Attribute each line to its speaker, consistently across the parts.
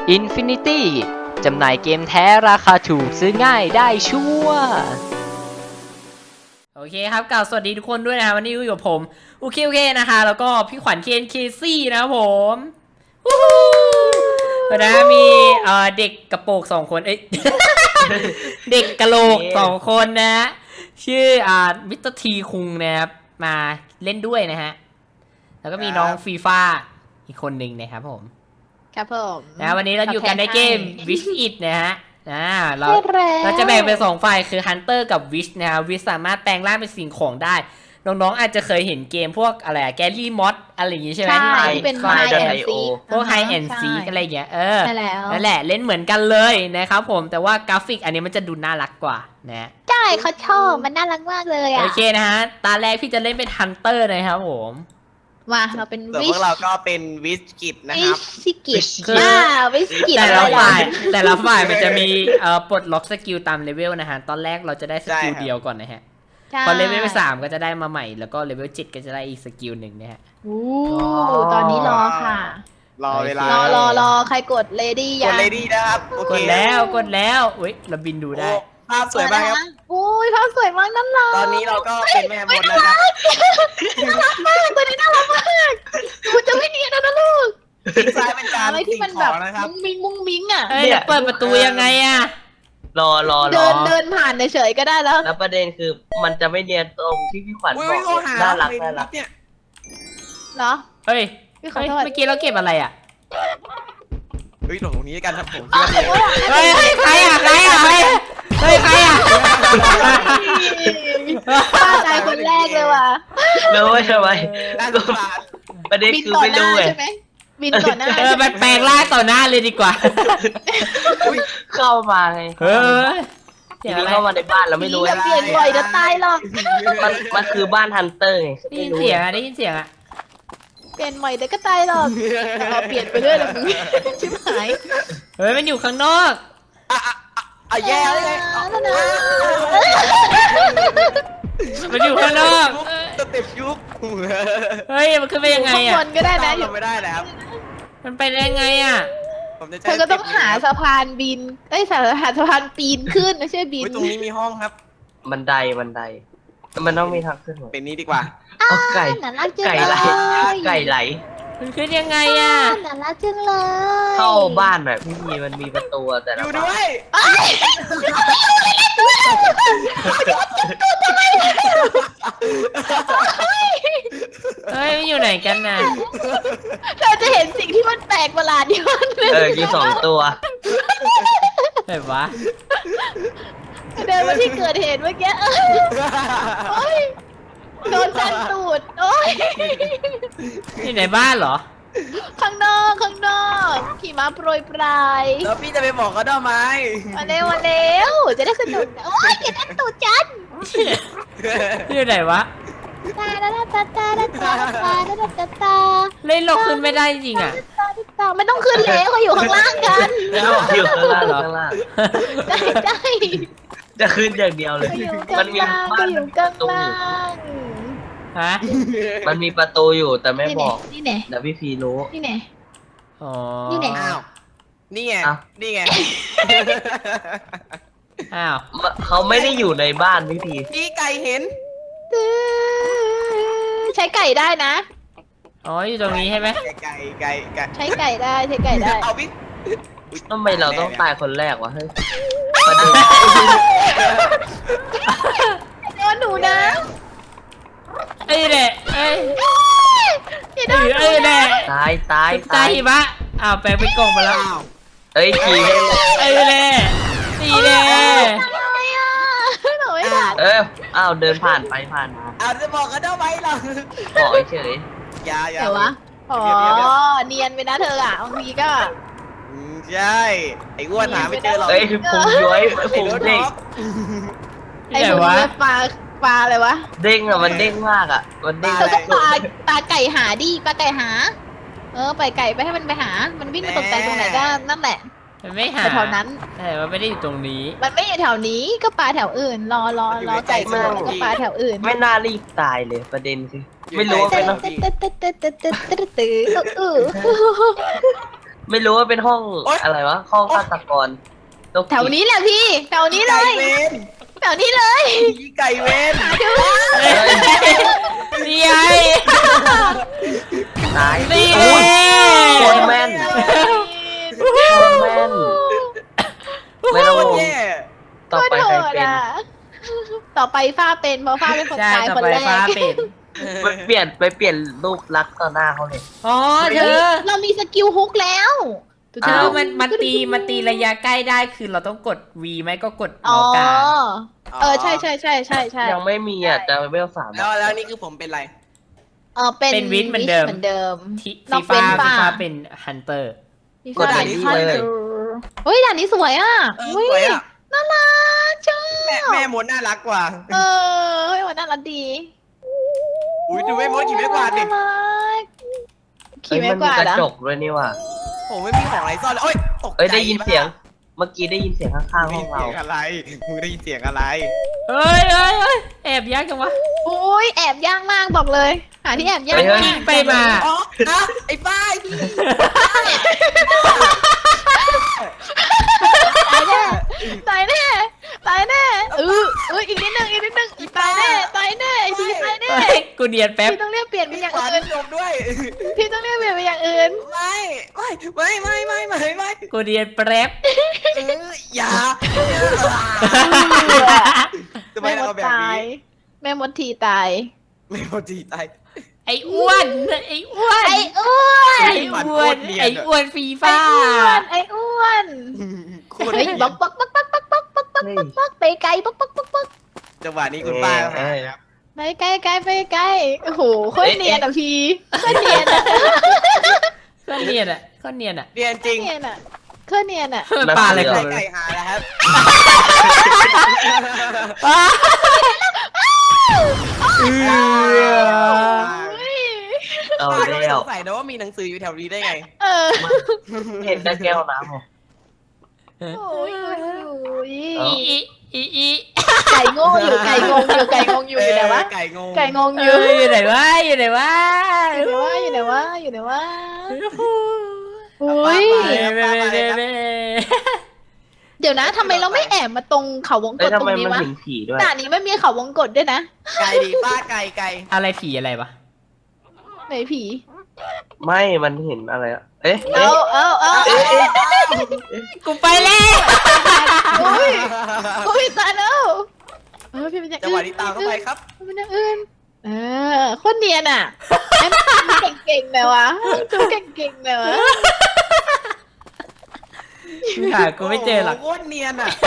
Speaker 1: Infinity จำหน่ายเกมแท้ราคาถูกซื้อง่ายได้ชัวร์โอเคครับกล่าวสวัสดีทุกคนด้วยนะวันนี้อยู่กับผมโอเคนะคะแล้วก็พี่ขวัญเคนเคซี่นะครับผมนะมีเด็กกระโปรง2 คนเด็กกะโหลก2 คนนะชื่อมิสเตอร์ทีคุงนะครับมาเล่นด้วยนะฮะแล้วก็มีน้องฟีฟ่าอีกคนหนึ่งนะครับผม
Speaker 2: ครับผม
Speaker 1: นะวันนี้เราอยู่กันในเกม Wish It นะฮะเราจะแบ่งเป็น2 ฝ่ายคือ Hunter กับ Wish นะฮะ Wish สามารถแปลงร่างเป็นสิ่งของได้น้องๆอาจจะเคยเห็นเกมพวกอะไรแกลลี่มอสอะไรอย่างงี้ใช่ไหม
Speaker 2: ที่เป็น High and Seek
Speaker 1: พวก High and Seek อะไรอย่างเงี้ย
Speaker 2: ใช่แล้ว
Speaker 1: นั่นแหละเล่นเหมือนกันเลยนะครับผมแต่ว่ากราฟิกอันนี้มันจะดูน่ารักกว่านะ
Speaker 2: ใช่เขาชอบมันน่ารักมากเลยอ่ะ
Speaker 1: โอเคนะฮะตาแรกพี่จะเล่นเป็น Hunter นะครับผม
Speaker 2: มาเราเป็น
Speaker 3: วิชเราก็เป็นวิชกิจนะครับ
Speaker 2: วิชกิจวิชกิจ
Speaker 1: แต่ละฝ่ายมันจะมีปลดล็อกสกิลตามเลเวลนะฮะตอนแรกเราจะได้สกิลเดียวก่อนนะฮะพอเลเวล3ก็จะได้มาใหม่แล้วก็เลเวล7ก็จะได้อีกสกิลหนึ่งนะฮะ
Speaker 2: ตอนนี้รอค่ะ
Speaker 3: รอเวลาร
Speaker 2: อใครกดเลดี้
Speaker 3: กดเลดี้นะครับ
Speaker 1: กดแล้วอุ้ยเราบินดูได้
Speaker 3: ภาพสวยมากครับ
Speaker 2: อุ้ยภาพสวยมากนั่นเลย
Speaker 3: ตอนนี้เราก็เป็นแม่มดแล้วครับ
Speaker 2: น่ารักมากตัวนี้น่ารักมากคุณจะไม่เนียนนะลูก
Speaker 3: ซ้ายเป็นการ
Speaker 2: อะไรที่มันแบบมุ้งมิ้งอ่ะ
Speaker 1: เปิดประตูยังไงอ่ะ
Speaker 4: รอ
Speaker 2: เดินผ่านเฉยๆก็ได้
Speaker 4: แล้วประเด็นคือมันจะไม่เนียนตรงที่พี่ขวัญบอกน่ารัก
Speaker 3: เนี่ย
Speaker 2: เหรอ
Speaker 1: เฮ้ยเมื่อกี้เราเก็บอะไรอ่ะ
Speaker 3: ตรงนี้กันครับผม
Speaker 1: เฮ้ยใครอ่ะใครอ่ะ
Speaker 2: ป้าตายคนแรกเลยว่ะ
Speaker 4: รู้ใช่ไหมประเด็นคือไม่รู้ไง
Speaker 2: บินต่อหน้า
Speaker 1: มันแปลงร่างต่อหน้าเลยดีกว่า
Speaker 4: เข้ามาไงเข้ามาในบ้านเราไม่รู้
Speaker 2: อย่าเปลี่ยนบ่อยจะตายหรอก
Speaker 4: มันคือบ้านฮันเตอร์ไง
Speaker 1: ได้ยินเสียงอ่ะ
Speaker 2: เปลี่ยนใหม่แต่ก็ตายหรอกเปลี่ยนไปเรื่อยเลยมึงชิบหาย
Speaker 1: เฮ้ยมันอยู่ข้างนอก
Speaker 3: แย่เลย
Speaker 1: มันอยู่ข้างนอก
Speaker 3: สเต็ปยุบ
Speaker 1: เฮ้ยมันขึ้นไปยังไงอ่ะ
Speaker 2: คนก็ได้นะ
Speaker 3: อยู่ไม่ได้แล้ว
Speaker 1: มันไปได้ยังไงอ่ะ
Speaker 2: เธอก็ต้องหาสะพานบินหาสะพานปีนขึ้นไม่ใช่บิน
Speaker 3: ตรงนี้มีห้องครับ
Speaker 4: บันไดมันต้องมีทางขึ้น
Speaker 3: เป็นนี้ดีกว่า
Speaker 4: ไก่ไหล
Speaker 1: มันขึ้นยังไงอ่ะ
Speaker 2: น่ารักจังเลย
Speaker 4: เข้าบ้านแบบพี่มันมีประตูแต่ละ
Speaker 3: อยู่ด้วย
Speaker 1: เฮ้ยมันอยู่ไหนกันน่ะ
Speaker 2: เธอจะเห็นสิ่งที่มันแปลกประหลาดอยู่
Speaker 4: อยู่2 ตัว
Speaker 1: แบบวะ
Speaker 2: เดินมาที่เกิดเหตุเมื่อกี้โดนจันตูดโอ้ย
Speaker 1: นี่ในบ้านเหรอ
Speaker 2: ข้างนอกขี่ม้าโปรยปลาย
Speaker 3: แล้วพี่จะไปบอกเขาทำไม
Speaker 2: มาเร็วจะได้สนุกโอ้ยอย่าดันตูดจัน
Speaker 1: นี่ไหนวะเล่นเราขึ้นไม่ได้จริงอ่ะ
Speaker 2: ไม่ต้องขึ้นแล้วเขาอยู่ข้างล่างกัน
Speaker 4: อยู่ข้างล่าง
Speaker 2: ได้
Speaker 4: จะขึ้นอย่างเดียวเลย
Speaker 2: มันมีบ้านอยู่ข้างล่าง
Speaker 1: ฮะ
Speaker 4: มันมีประตูอยู่แต่ไม่บอก
Speaker 2: นี่ไง
Speaker 4: เดี๋ยวพี่พีรู้
Speaker 2: นี่ไง
Speaker 1: อ๋อ
Speaker 2: นี่ไง
Speaker 3: นี่ไง
Speaker 1: อ้าว
Speaker 4: เขาไม่ได้อยู่ในบ้านพี่พี
Speaker 3: พี่ไก่เห็น
Speaker 2: ใช้ไก่ได้นะ
Speaker 1: อ๋ออยู่ตรงนี้ใช่ไหม
Speaker 3: ไก่
Speaker 2: ใช้ไก่ได้
Speaker 3: เอาพี่
Speaker 4: ทำไมเราต้องตายคนแรกวะเฮ้ย
Speaker 2: โดนหนูนะ
Speaker 1: ไอ้แหละไอ้แหละ
Speaker 4: ตาย
Speaker 1: ปะอ้าวแปลงเป็นกล่องไปแล้ว
Speaker 4: เอ้ยขี่
Speaker 1: ไอ้แหละตีแหละ
Speaker 2: หนูไม่ทัน
Speaker 4: อ้าวเดินผ่านมา
Speaker 3: จะบอกกันได้ไหมล่ะ
Speaker 4: บอกเฉย
Speaker 3: อย่า
Speaker 2: แต่วะเนียนไปนะเธออ่ะบางทีก็
Speaker 3: ใช่ไอ้อ้วนหาไม่เจอหรอก
Speaker 4: พุงย้อยพุงเด้ง
Speaker 2: ไอ้พุงย้อยปลาอะไรวะ
Speaker 4: เด้งอะมันเด้งมากอะมันเด้ง
Speaker 2: เธอก็ปลาไก่หาดิปลาไก่หาไปไก่ไปให้มันไปหามันวิ่งมาตกใจตรงไหนก็นั่นแหละ
Speaker 1: มันไม่หา
Speaker 2: แถวนั้น
Speaker 1: แต่มันไม่ได้อยู่ตรงนี้
Speaker 2: มันไม่อยู่แถวนี้ก็ปลาแถวอื่นรอไก่มาแล้วก็ปลาแถวอื่น
Speaker 4: ไม่น่ารีบตายเลยประเด็นคือไม่รู้ว่าเป็นไม่รู้ว่าเป็นห้องอะไรวะห้องฆาตกรโรคจิต
Speaker 2: แถวนี้แหละพี่แถวนี้เล
Speaker 3: ไก่
Speaker 2: ย
Speaker 3: เวน
Speaker 2: แถวนี้เลย
Speaker 3: ผีไก่เวน
Speaker 2: หาดู
Speaker 1: นี่ไง
Speaker 4: ตาย
Speaker 1: นี่
Speaker 4: โอ้ยโคตรแม่น
Speaker 2: โอ้
Speaker 4: โคตรแม่นไม่ต้อง
Speaker 3: โคต
Speaker 4: ง
Speaker 3: รง แย่
Speaker 4: ต่อไปใครเป็น
Speaker 2: ต่อไปฟ้าเป็นเพราะฟ้าเป็นคน
Speaker 1: ใช่
Speaker 2: ตาย
Speaker 1: ต่อ
Speaker 2: คน
Speaker 1: ไป
Speaker 2: แร
Speaker 1: ฟ้าก เป็น
Speaker 4: ไปเปลี่ยนรูปลักษณ์ต่อหน้าเขาเลย
Speaker 1: อ๋อเธอ
Speaker 2: เรามีสกิลฮุกแล้ว
Speaker 1: เธอมันตีระยะใกล้ได้คือเราต้องกด V ไหมก็กดเมา
Speaker 2: อ๋อ
Speaker 1: ส์กลาง
Speaker 2: ใช่
Speaker 4: ยังไม่มีอ่ะจะเวล3
Speaker 3: แล้วนี่คือผมเป็นไร
Speaker 2: เป็นวินเหมือนเดิม
Speaker 1: ที่
Speaker 2: นอกเป็นฟ้า
Speaker 1: เป็นฮันเตอร์
Speaker 4: กดด่านนี้เลย
Speaker 2: เฮ้ยด่านนี้สวยอ่ะ
Speaker 3: สวยอ่ะ
Speaker 2: น่ารักชอบ
Speaker 3: แม่มดน่ารักกว่า
Speaker 2: เฮ้ยวันน่ารักดี
Speaker 3: อุ้ยดูแม่มดขี่ไม่กวาดดิ
Speaker 2: น่ารักขี่
Speaker 4: เฮ้ย
Speaker 2: ไม่
Speaker 4: มัน
Speaker 2: ก
Speaker 4: มี
Speaker 2: วาด
Speaker 4: กระ
Speaker 2: อะ
Speaker 4: จกด้วยนี่ว่ะ
Speaker 3: ผมไม่มีของอะไรซ่อนเลยโอ๊ยตกใจ
Speaker 4: เอ้ยได้ยินเสียง เมื่อกี้ได้ยินเสียงข้างๆ
Speaker 3: ได้
Speaker 4: ห้
Speaker 3: ยิ
Speaker 4: อน ง
Speaker 3: เสี
Speaker 4: เรา
Speaker 3: ยงอะไรมึงได้ยินเสียงอะไร
Speaker 1: เฮ้ยแอบยากจังวะ
Speaker 2: โอ้ยแอบย่างมากบอกเลย หาที่แอบย่าง
Speaker 1: มัน
Speaker 2: มาก
Speaker 1: กิ้งไปมา
Speaker 3: อ๋อไอ้ป้ายพี่
Speaker 2: ตายแน่ตายแน่อีกนิดนึงตายแน่ไอ้พี่ตายแน่
Speaker 1: เฮ้ยกูเนียนแป๊บ
Speaker 2: พี่ต้องเรียกเปลี่ยนไปอย่าง
Speaker 3: ขวาน
Speaker 2: อื่น
Speaker 3: จบด้วย
Speaker 2: พี่ต้องเรียกเปลี่ยนไปอย่างอื่น
Speaker 3: ไม่
Speaker 1: กูเนียนแป๊บ
Speaker 3: อย่าทำไม
Speaker 2: แม่ม
Speaker 3: เรา
Speaker 2: ด
Speaker 3: แบบ
Speaker 2: ตาย
Speaker 3: นี้
Speaker 2: แม่มดทีตาย
Speaker 3: ไม่พอดีตาย
Speaker 1: ไอ้อ้วนไอ้อ้วน
Speaker 2: ไอ้อ้วน
Speaker 1: ไอ้อ้วนไอ้อ้วนฟี
Speaker 2: ไอ้
Speaker 1: ฟ้า
Speaker 2: อ้วน
Speaker 3: โคตร
Speaker 2: เฮ้ย
Speaker 3: เนียน
Speaker 2: บักไปไกลบัก
Speaker 3: จังหวะนี้คุณป้าหายครับ
Speaker 2: ไปไกลโอ้โหโคตรเนียนอ่ะพี่โคตรเนียนอ่ะ
Speaker 1: ก็เนียนอ่ะก็เนียนอ่ะ
Speaker 3: เนียนจริง
Speaker 2: เนียนอ่ะโคตรเนียนอ่ะ
Speaker 1: ปลาอะไรกั
Speaker 3: ไก่
Speaker 1: น
Speaker 3: ไก่หาแล้วครับ
Speaker 4: เอา
Speaker 3: ป้าก็ไม่
Speaker 4: แล้
Speaker 3: ส
Speaker 4: ว
Speaker 3: งสัยนะว่ามีหนังสืออยู่แถวนี้ได้ไง
Speaker 4: เห็นแต่แก้วน้ำไง
Speaker 2: โอ้ย
Speaker 1: อี
Speaker 2: ไก่งงอยู่อยู่ไหนวะ
Speaker 3: ไก่งง
Speaker 2: ไก่งง
Speaker 1: เอ
Speaker 2: อยู่
Speaker 1: ออยู่ไหนวะอยู่ไหนวะ
Speaker 2: อยู่ไหนวะอุ้ย เดี๋ยวนะทำไมเราไม่แอบมาตรงเขาวงก
Speaker 4: เอ้ย
Speaker 2: ตต
Speaker 4: ทำ
Speaker 2: ร
Speaker 4: ไม
Speaker 2: งนี้
Speaker 4: มัน
Speaker 2: วะ
Speaker 4: ถึงผีด้วย
Speaker 2: ด่านนี้ไม่มีเขาวงกตด้วยนะ
Speaker 3: ไก่ดีป้าไก่
Speaker 1: อะไรผีอะไรวะ
Speaker 2: ไหนผี
Speaker 4: ไม่มันเห็นอะไรอะเอ๊ะ
Speaker 2: เอา
Speaker 1: กูไปแล้ว
Speaker 2: อุ้ยตายแล้วพี่เป็นอย่าง
Speaker 3: จังหวะนี้ตามเข้าไปครับ
Speaker 2: เป็นอย่างอื่นโคตรเนียนอ่ะเก่งๆเลยวะจูเก่งๆเลยวะ
Speaker 1: หากูไม่เจอหรอก
Speaker 3: โคตรเนียนอ่ะ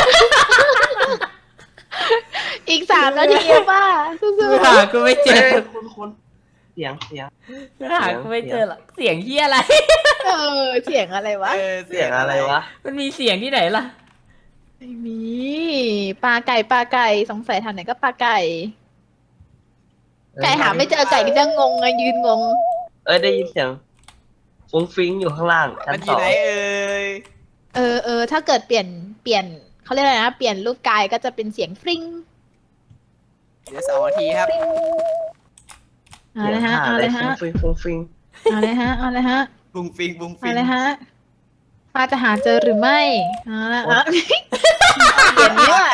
Speaker 2: อีก3 นาทีป่ะสู้
Speaker 1: หากูไม่เจ
Speaker 4: เอ๊ะ
Speaker 1: อ
Speaker 4: คุณเสียง
Speaker 1: หากูไม่เจอหรอกเสียงเฮียอะไร
Speaker 2: เสียงอะไรวะ
Speaker 4: เสียงอะไรวะ
Speaker 1: มันมีเสียงที่ไหนล่ะ
Speaker 2: ไม่มีปลาไก่สงสัยทางไหนก็ปลาไก่ ไก่หาไม่เจอไก่ก็จะงงไงยืนงง
Speaker 4: เอ้ยได้ยินเสียงฟุ้งฟิ้งอยู่ข้างล่างชั้
Speaker 3: มัน นอ
Speaker 4: ส
Speaker 3: ยู่
Speaker 4: อง
Speaker 3: ไหนเอ่ย
Speaker 2: ถ้าเกิดเปลี่ยนเขาเรียกอะไรนะเปลี่ยนรูปกายก็จะเป็นเสียงฟริ้ง
Speaker 3: เดี๋ยว2 นาทีครับ
Speaker 2: เอาเลยฮะ
Speaker 4: ฟุ้งฟิ้ง
Speaker 2: เอาเลยฮะ
Speaker 3: บุ้งฟิง
Speaker 2: เอาเลยฮะป้าจะหาเจอหรือไม่เอาละเปลี่ยนนี่หว่า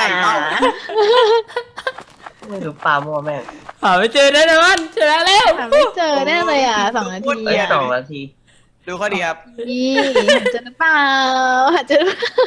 Speaker 4: ไม่รู้ปลามั่วแม่ง
Speaker 1: หาไม่เจอแน่นอนชนะแล้ว
Speaker 2: หาไม่เจอแน่เลย2 นาที
Speaker 4: เอ้ย2 นาที
Speaker 3: ดูเขาดีครับ
Speaker 2: นี่หาเจอหรือเปล่าหาเจอ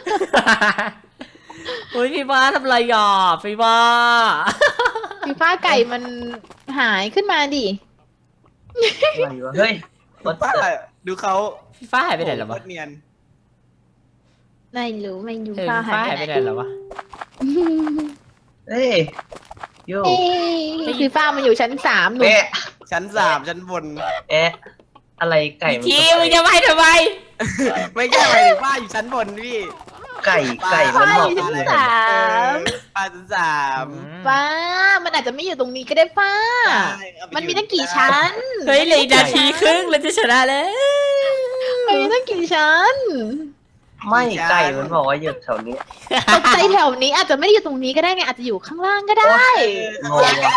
Speaker 1: อุ้ยพี่บ้าทำไรหยอพี่บ้า
Speaker 2: ฟีฟ้าไก่มันหายขึ้นมาดิ
Speaker 4: อะไรวะเฮ้ยวัด
Speaker 3: ป้า
Speaker 4: เตอร์
Speaker 3: ดูเขา
Speaker 1: พี่ฟ้าหายไปไหนแล้ว
Speaker 3: โคว
Speaker 1: ะ
Speaker 3: ตรเนียน
Speaker 2: ไม่รู้
Speaker 1: เออ
Speaker 2: ฟ้า
Speaker 1: พี่ฟ้า
Speaker 2: หา
Speaker 1: หาย ย
Speaker 2: ไป
Speaker 1: ไป
Speaker 2: ไห
Speaker 1: ไห
Speaker 2: น
Speaker 1: นแล้ววะ
Speaker 4: เอ้ยโย่
Speaker 2: ฟีฟ้ามันอยู่ชั้น3หนู
Speaker 4: เอ๊ะ
Speaker 3: ชั้น 3 ชั้นบน
Speaker 4: เอ๊ะอะไรไก่มัน
Speaker 1: ทีมึงจะไปทำไม
Speaker 3: ไม่ใช่หมายถึงป้าอยู่ชั้นบนพี่
Speaker 4: ไก่มัน
Speaker 2: ฟ้า
Speaker 4: บ
Speaker 2: อ
Speaker 4: อก
Speaker 2: ยู่ชั้น
Speaker 4: เลย
Speaker 2: 3
Speaker 3: ป้าชั้น
Speaker 2: ฟ้ามันอาจจะไม่อยู่ตรงนี้ก็ได้ฟ้า
Speaker 3: 3
Speaker 2: มันมีตั้งกี่ชั้น
Speaker 1: เฮ้ยเหลยนาทีครึ่งเราจะชนะแล้ว
Speaker 2: มันมีตั้งกี่ชั้น
Speaker 4: ไม่ไก่มันบอกว่าอยู่แถวนี้
Speaker 2: ตกใจแถวนี้อาจจะไม่ได้อยู่ตรงนี้ก็ได้ไงอาจจะอยู่ข้างล่างก็ได้
Speaker 4: งงว่ะ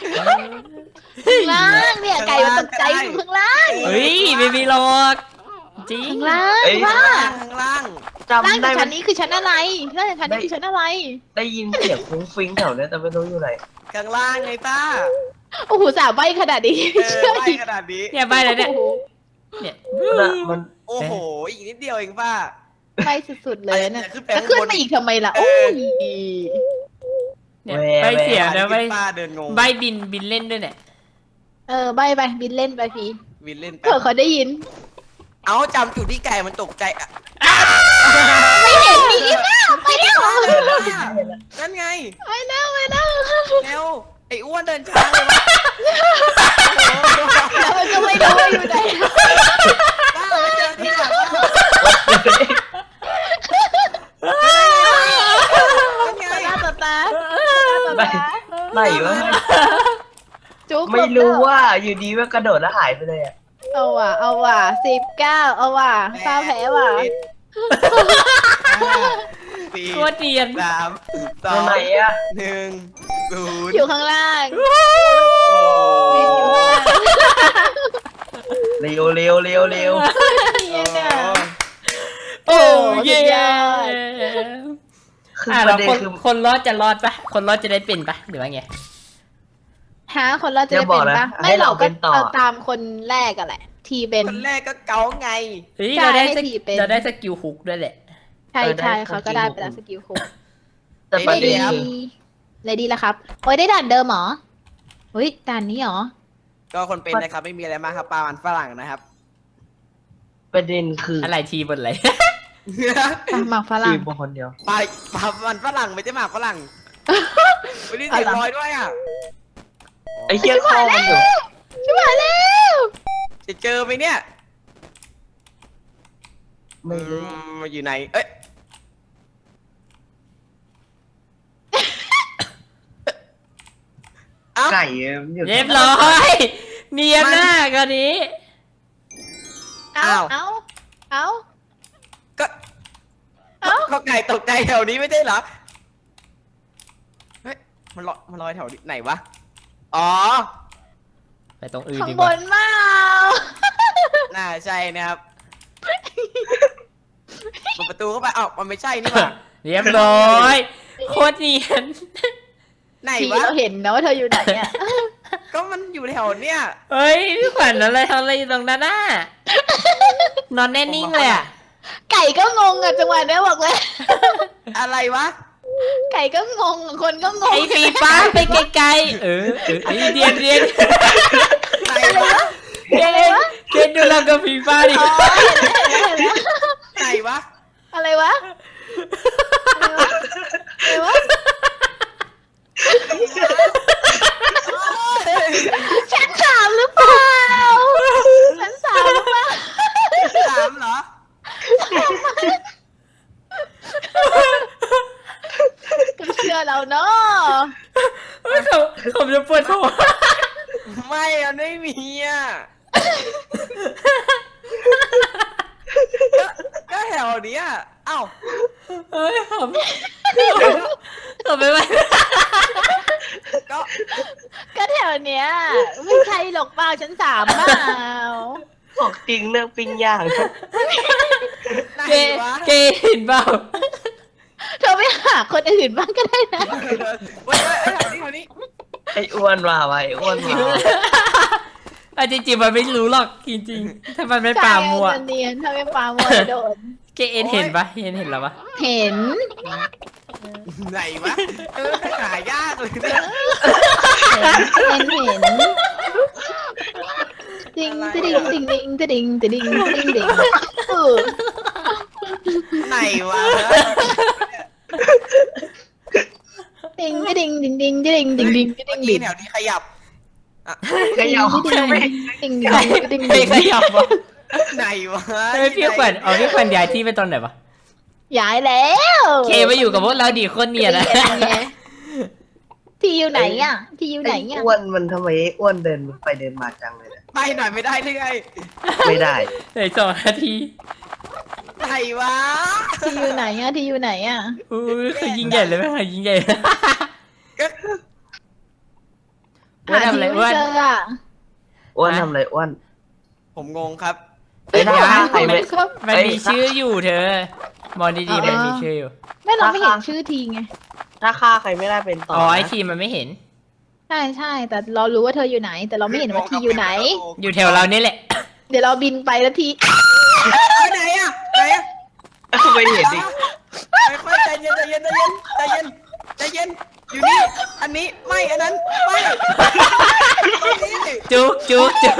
Speaker 2: ข้างล่างเนี่ยไก่มันตกใจอยู่ข้างล่าง
Speaker 1: เฮ้ยไม่มีหรอกจริง
Speaker 2: ข้างล่าง
Speaker 4: เอ้ย
Speaker 2: ว่า
Speaker 3: ข้างล่าง
Speaker 2: ล่าง
Speaker 4: จำได้
Speaker 2: จากชั้นนี้คือชั้นอะไรล่างจากชั้นนี้คือชั้นอะไร
Speaker 4: ได้ยินเสียงฟุ้งฟิ้งแถวเนี้ยแต่ไม่รู้อยู่ไหน
Speaker 3: ข้างล่างไงป้า
Speaker 2: โอ้โหสาวใบขนาดนี้
Speaker 3: เออ
Speaker 2: เชื่อ
Speaker 3: ไป
Speaker 2: อีก
Speaker 3: ขนาดนี้
Speaker 1: เนี่ยไปเลยเนี่ย
Speaker 2: โอ้โห
Speaker 1: เนี่ย
Speaker 4: มัน
Speaker 3: โอ้โหอีกนิดเดียวเองป้า
Speaker 2: ใบสุดๆเลยนะ
Speaker 3: ขึ้นไป
Speaker 2: แล้ว
Speaker 3: ข้าง
Speaker 2: ขึ้น
Speaker 3: บน
Speaker 2: มาอีกทำไมล่ะ
Speaker 3: เอ
Speaker 2: โอ้
Speaker 3: อ
Speaker 2: ย
Speaker 1: เนี่ยใบเสียนะใบ
Speaker 3: ป้าเดินงง
Speaker 1: ใบบินเล่นด้วยเนี่ย
Speaker 2: ใบไปบินเล่นไปพี่
Speaker 3: วินเล่นไป
Speaker 2: เผื่อเขาได้ยิน
Speaker 3: เอาจำจุดที่ไก่มันตกใจอ่ะ
Speaker 2: ไม่เห็นมีอีกแล้วไปแล้ว
Speaker 3: นั่นไง
Speaker 2: ไปแล้วไปแล้ว
Speaker 3: เร็วไอ้อ้วนเดินช้าเลยวะ
Speaker 2: แล้วมันก็ไม่รู้ว่าอยู่ไหน
Speaker 3: ป้าไปเจอที่ไหนป้านั่นไง
Speaker 2: ตาต่อตา
Speaker 4: ไหนวะ
Speaker 2: จุ๊บ
Speaker 4: ไม่รู้ว่าอยู่ดีว่ากระโดดแล้วหายไปเลยอ่ะ
Speaker 2: เอาว่ะ19เอาว่ะฟ้าแพ้ว่ะ
Speaker 3: สี่
Speaker 1: โคตรเนียน
Speaker 3: สามสอ
Speaker 4: ตรง
Speaker 3: ง
Speaker 4: ไหนอ่ะ
Speaker 3: หนึ่งศูนย์
Speaker 2: อยู่ข้างล่าง
Speaker 3: โอ้
Speaker 4: เร็วเร็วเร็วเร็ว
Speaker 2: เนียนอ่ะ
Speaker 1: โอ้เย่
Speaker 2: สุดยอด
Speaker 4: คือ
Speaker 1: อ่ะ
Speaker 4: ป
Speaker 1: เรา
Speaker 4: ระเด็น
Speaker 1: คน
Speaker 4: คือ
Speaker 1: คนรอดจะรอดปะคนรอดจะได้เป็นปะหรือว่าไง
Speaker 2: หาคนเราจะได้เป็นปะไม่เราก็เอาตามคนแรกกันแหละ ทีเป็น
Speaker 3: คนแรกก็เกาไง
Speaker 1: เฮ้ย
Speaker 2: ใช่
Speaker 1: เราได้
Speaker 2: ให้
Speaker 1: ส
Speaker 2: ผี
Speaker 1: กิล
Speaker 2: เป็น
Speaker 1: เราได้สกิลฮุกด้วยแหละ
Speaker 2: ใช่เขาก็ได้ไปแล้วสกิลคุก
Speaker 4: แต่ประ
Speaker 2: เล
Speaker 4: เด็น
Speaker 2: ดี้
Speaker 4: คือ
Speaker 2: เลยดีแล้วครับโอ้ยได้ด่านเดิมเหรอเฮ้ยด่านนี้เหรอ
Speaker 3: ก็คนเป็นนะครับไม่มีอะไรมากครับปลามันฝรั่งนะครับ
Speaker 4: ประเด็นคือ
Speaker 1: อะไรทีบนอะไร
Speaker 2: อ่ะหมากฝรั่
Speaker 4: ที
Speaker 2: ง
Speaker 4: มคนเดียว
Speaker 3: ปลามันฝรั่งไม่ใช่หมากฝรั่งไม่ได้เสียง
Speaker 2: อะไร
Speaker 3: ลอยด้วยอ่ะ
Speaker 4: ไอ้เหี้ยเข้ามันอยู่
Speaker 2: ชิบหายแล้ว
Speaker 3: จะเจอไหมเนี่ย
Speaker 4: ไม่รู้
Speaker 3: มาอยู่ไหนเอ้ยเอ้า
Speaker 4: ไก่มันอยู่
Speaker 1: เรียบร้อยเนียนมากอันนี้
Speaker 2: เอาเอา
Speaker 3: ก็
Speaker 2: เอ้า
Speaker 3: ก็ไก่ตกใจแถวนี้ไม่ใช่เหรอเฮ้ยมันลอยแถวไหนวะอ๋อ
Speaker 1: ไปตรงอื่น
Speaker 2: ข้าง
Speaker 1: ดี
Speaker 2: บ
Speaker 1: กว่าน
Speaker 2: มา
Speaker 3: น่าใช่นะครับเปิดประตูเข้าไปอ้าวมันไม่ใช่นี่หว่า
Speaker 1: เรียบร้อยโคตรเนียน
Speaker 3: ไหน
Speaker 2: ที
Speaker 3: วะ
Speaker 2: เราเห็นนะว่าเธออยู่ไหนอ่ะ
Speaker 3: ก็มันอยู่แถวเนี้ย
Speaker 1: เฮ้ยพี่ขวัญอะไรทำอะไรอยู่ตรงนั้นน่ะนอนแน่นิ่งเลยอ่ะ
Speaker 2: ไก่ก็งงอ่ะจังหวะเนี้ยบอกเลย
Speaker 3: อะไรวะ
Speaker 2: ไก่ก็งงคนก็งง
Speaker 1: ไอ้ฟีฟ้าไปไกลๆไอ้เดียน
Speaker 3: ไหนวะ
Speaker 1: เดียนดูเรากับฟีฟ้าดิ
Speaker 3: ไหนวะ
Speaker 2: อะไรวะอะไรวะชั้นสามหรือเปล่าชั้นสามหรือเปล่า
Speaker 3: สามเหรอ
Speaker 2: ก็เชื่อเราเนาะ
Speaker 1: ผมจะปวดหัว
Speaker 3: ไม่มันไม่มีอ่ะก็แถวเนี้ยเอ้า
Speaker 1: เฮ้ยผมไปไหม
Speaker 3: ก็
Speaker 2: ก็แถวเนี้ยไม่ใช่หรอกเปล่าชั้นสามเปล่า
Speaker 4: บอกจริงเรื่องปิ้งย่าง
Speaker 3: ไหน
Speaker 1: เก
Speaker 3: วะ
Speaker 1: เเห็นเปล่า
Speaker 2: เธอไม่หาคนอื่นบ้างก็ได้นะ
Speaker 3: เว้ยแถวนี้
Speaker 4: ไอ้อ้วนมาไว้ไอ้อ้วนมา
Speaker 1: จริงๆมันไม่รู้หรอกจริงๆถ้ามันไม่ปามัว
Speaker 2: ใช่เนียนถ้าไม่ปามัวโดน
Speaker 1: เกเห็นปะเห็นแล้วปะ
Speaker 2: เห็น
Speaker 3: ไหนวะหายากเลยเนี่ย
Speaker 2: เห็นติงติงติงติงติงติงติงติงติง
Speaker 3: ไหนวะ
Speaker 2: ติงติงติงติงติงติงติงติง
Speaker 3: เมื่อ
Speaker 2: ติ
Speaker 3: กี้
Speaker 2: ง
Speaker 3: แถวนี้ขยับ
Speaker 4: ขยับ
Speaker 2: ติงติงติง
Speaker 1: ไม่ขยับวะ
Speaker 3: ไหนวะ
Speaker 1: เฮ้ยพี่ขวัญพี่ขวัญย้ายที่ไปตอนไหนวะ
Speaker 2: ย้ายแล้ว
Speaker 1: เคมาอยู่กับพวกเราดีคนเนียนนะ
Speaker 2: ที่อยู่ไหนอ่ะที่อยู่ไหน
Speaker 4: ไอ้
Speaker 2: อ่ะ
Speaker 4: อ้วนมันทำไมไอ้อ้วนเดินไปเดินมาจังเลยเนี่ย
Speaker 3: ไปหน่อยไม่ได้หรือไง
Speaker 4: ไม่ได้
Speaker 1: เหลือ2 นาที
Speaker 3: ไหนวะ
Speaker 2: ที่อยู่ไหนอ่ะที่อยู่ไหนอ่ะ
Speaker 1: อุ้ยคือยิงใหญ่เลยไหมคะยิงใหญ่
Speaker 3: ก็
Speaker 1: ว่าทำอะไร
Speaker 2: หาที่
Speaker 1: ว่า
Speaker 2: ไม่เจออ่ะ
Speaker 4: อ้วนทำอะไรอ้วน
Speaker 3: ผมงงครับ
Speaker 4: เอ้ยถ้าฆ่าใคร
Speaker 1: มั
Speaker 4: ไม่
Speaker 1: น มันมีชื่ออยู่เธอ มองดีๆมันมีชื่ออยู่
Speaker 2: ไม่เราไม่เห็นชื่อทีไง
Speaker 4: ถ้าฆ่าใครไม่ได้เป็นต่อ
Speaker 1: อ๋อไอ
Speaker 4: นะ
Speaker 1: ทีมมันไม่เห็น
Speaker 2: ใช่ใช่แต่เรารู้ว่าเธออยู่ไหน แต่เราไม่เห็นว่าทีอยู่ไหน
Speaker 1: อยู่แถวเรานี่แหละ
Speaker 2: เดี๋ยวเราบินไปแล้วที
Speaker 3: ไหนอะไหนอะ
Speaker 4: ไม่เห็นดิ
Speaker 3: ค่อยๆใจเย็นใจเย็นใจเย็นใจเย็นใจเย็นอยู่นี่อันนี้ไม่อันนั้นไม่ตรงนี้
Speaker 1: จุกจุกจุก